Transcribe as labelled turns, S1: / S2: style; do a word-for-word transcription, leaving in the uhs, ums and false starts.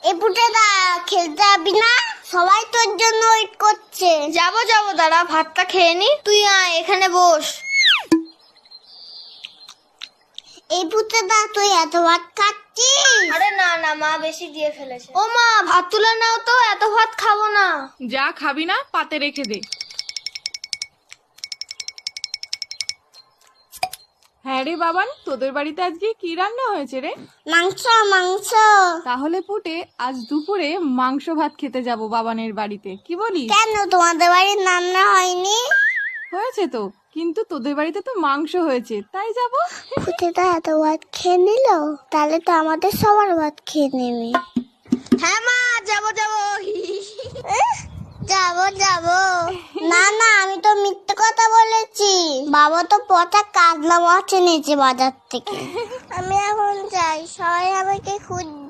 S1: এই পুটেদা খেলতে যাবি না? সবাই তোর জন্য ওয়েট করছে।
S2: যাবো যাবো, দাঁড়া ভাতটা খেয়ে নি। তুই আয় এখানে বস।
S1: এই পুটেদা তুই এত ভাত খাচ্ছিস?
S2: আরে না না, মা বেশি দিয়ে ফেলেছে। ও মা, ভাত তুলে নাও তো, এত ভাত খাবো না।
S3: যা খাবি না পাতে রেখে দে। হ্যাঁ রে বাবান, তোদের বাড়িতে আজকে কি রান্না হয়েছে রে?
S1: মাংস মাংস।
S3: তাহলে পুটে আজ দুপুরে মাংস ভাত খেতে যাব বাবানের বাড়িতে, কি বলিস?
S1: কেন তোমাদের বাড়ির রান্না হয়নি?
S3: হয়েছে তো, কিন্তু তোদের বাড়িতে তো মাংস হয়েছে, তাই যাব।
S1: পুটেদা এত ভাত খেয়ে নিল, তাহলে তো আমাদের সবার ভাত খেয়ে নেবে।
S2: হ্যাঁ মা, যাবো যাবো।
S1: যাবো যাবো। না না, আমি তো মিথ্যে কথা বলেছি। বাবা তো পচা কাজলা মাছ এনেছে বাজার থেকে। আমি এখন যাই, সবাই আমাকে খুঁজছে।